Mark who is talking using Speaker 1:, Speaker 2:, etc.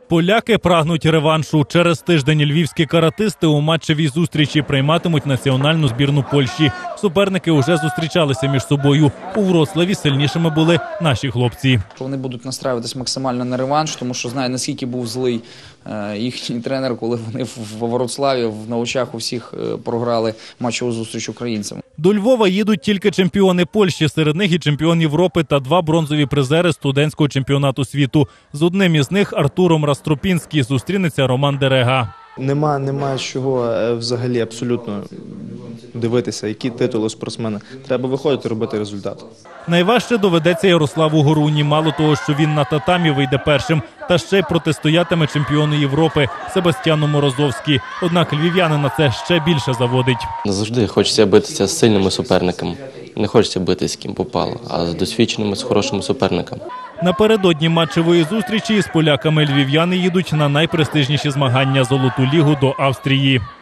Speaker 1: Поляки прагнуть реваншу. Через тиждень львівські каратисти у матчевій зустрічі прийматимуть національну збірну Польщі. Суперники уже зустрічалися між собою. У Вроцлаві сильнішими були наші хлопці.
Speaker 2: Вони будуть настраюватись максимально на реванш, тому що знаю, наскільки був злий їхній тренер, коли вони в Вроцлаві на очах у всіх програли матчову зустріч українцям.
Speaker 1: До Львова їдуть тільки чемпіони Польщі, серед них і чемпіон Європи та 2 бронзові призери студентського чемпіонату світу. З одним із них, Артуром Растропінським, зустрінеться Роман Дерега.
Speaker 3: Нема чого взагалі абсолютно дивитися, які титули у спортсмена. Треба виходити, робити результат.
Speaker 1: Найважче доведеться Ярославу Горуні. Мало того, що він на татамі вийде першим, та ще й протистоятиме чемпіону Європи Себастьяну Морозовські. Однак львів'янина це ще більше заводить.
Speaker 4: Завжди хочеться битися з сильними суперниками. Не хочеться битися з ким попало, а з досвідченими, з хорошими суперниками.
Speaker 1: Напередодні матчевої зустрічі з поляками львів'яни їдуть на найпрестижніші змагання – Золоту лігу до Австрії.